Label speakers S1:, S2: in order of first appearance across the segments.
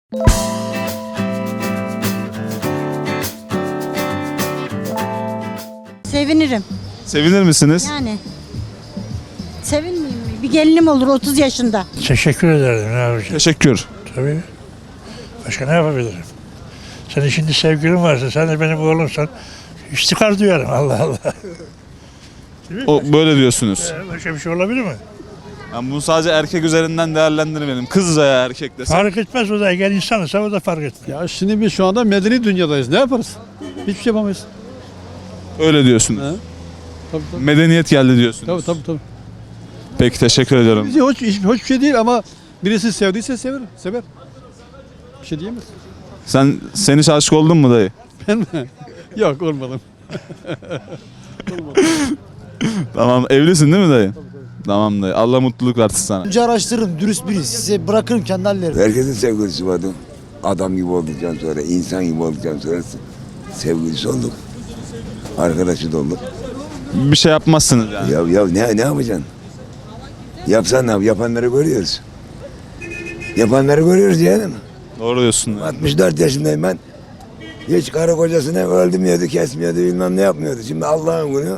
S1: Sevinirim.
S2: Sevinir misiniz?
S1: Yani. Sevinmeyeyim mi? Bir gelinim olur 30 yaşında.
S3: Teşekkür ederim. Ne yapacağım?
S2: Teşekkür.
S3: Tabii. Başka ne yapabilirim? Senin şimdi sevgilin varsa, sen de benim oğlumsan, istikrar duyarım. Allah Allah.
S2: O böyle diyorsunuz.
S3: Başka bir şey olabilir mi?
S2: Yani bunu sadece erkek üzerinden değerlendirmeyelim. Kız veya erkek desem.
S3: Fark etmez o da. Eğer insansa o da fark etmez.
S4: Ya şimdi biz şu anda medeni dünyadayız. Ne yaparız? Hiçbir şey yapamayız.
S2: Öyle diyorsunuz.
S4: He? Tabii tabii.
S2: Medeniyet geldi diyorsunuz.
S4: Tabii tabii. tabii.
S2: Peki teşekkür ediyorum.
S4: Bizi hoş bir şey değil ama birisi sevdiyse sever. Bir şey diyemez.
S2: Sen hiç aşık oldun mu dayı?
S4: Ben mi? Yok olmadım.
S2: Tamam, evlisin değil mi dayı? Tamam dayı. Allah mutluluk versin sana.
S5: Önce araştırırım, dürüst biri. Size bırakırım kendi hallerine.
S6: Herkesin sevgilisi vardı. Adam gibi olduktan sonra, insan gibi olduktan sonra sevgilisi olduk. Arkadaşı da olduk.
S2: Bir şey yapmazsınız yani.
S6: Ya ne yapacaksın? Yapsan ne yap? Yapanları görüyoruz. Yapanları görüyoruz yani.
S2: Doğru diyorsun.
S6: 64 yaşındayım ben. Hiç karı kocasını öldürmüyordu, kesmiyordu, bilmem ne yapmıyordu. Şimdi Allah'ın günü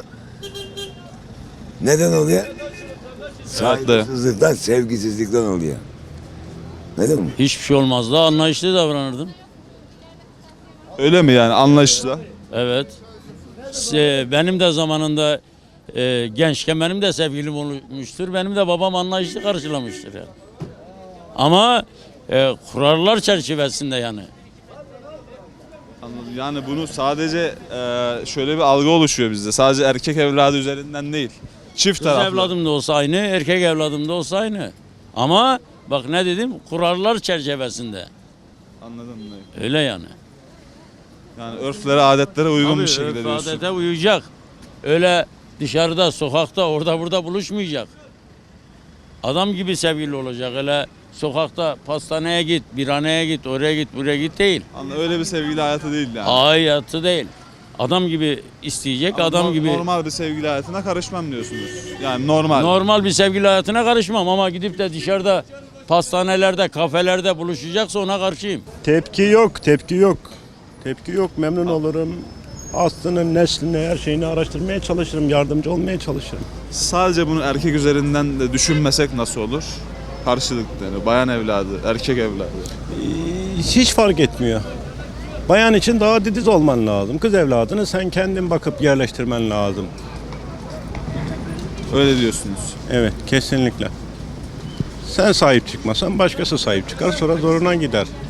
S6: neden oluyor? Saygısızlıktan, sevgisizlikten oluyor. Neden mi?
S7: Hiçbir şey olmazdı. Anlayışlı davranırdım.
S2: Öyle mi yani, anlayışla?
S7: Evet. Benim de zamanında gençken benim de sevgilim olmuştur. Benim de babam anlayışlı karşılamıştır yani. Ama kurallar çerçevesinde yani.
S2: Anladım. Yani bunu sadece şöyle bir algı oluşuyor bizde. Sadece erkek evladı üzerinden değil. Çift
S7: Kız
S2: taraflı.
S7: evladım da olsa aynı, erkek evladım da olsa aynı. Ama bak ne dedim? Kurallar çerçevesinde.
S2: Anladım dayı.
S7: Öyle yani.
S2: Yani örflere, adetlere uygun
S7: Tabii,
S2: bir şekilde
S7: örf
S2: diyorsun.
S7: adete uyacak. Öyle dışarıda, sokakta, orada burada buluşmayacak. Adam gibi sevgili olacak. Öyle sokakta pastaneye git, birhaneye git, oraya git, buraya git değil.
S2: Öyle bir sevgili hayatı değil yani.
S7: Hayatı değil. Adam gibi isteyecek, adam gibi.
S2: Normal bir sevgili hayatına karışmam diyorsunuz. Yani normal.
S7: Normal bir sevgili hayatına karışmam ama gidip de dışarıda pastanelerde, kafelerde buluşacaksa ona karşıyım.
S8: Tepki yok, tepki yok. Tepki yok, memnun olurum. Aslının, neslini, her şeyini araştırmaya çalışırım, yardımcı olmaya çalışırım.
S2: Sadece bunu erkek üzerinden de düşünmesek nasıl olur? Karşılıklı yani bayan evladı, erkek evladı.
S8: Hiç fark etmiyor. Bayan için daha titiz olman lazım. Kız evladını sen kendin bakıp yerleştirmen lazım.
S2: Öyle diyorsunuz.
S8: Evet, kesinlikle. Sen sahip çıkmasan başkası sahip çıkar, sonra zoruna gider.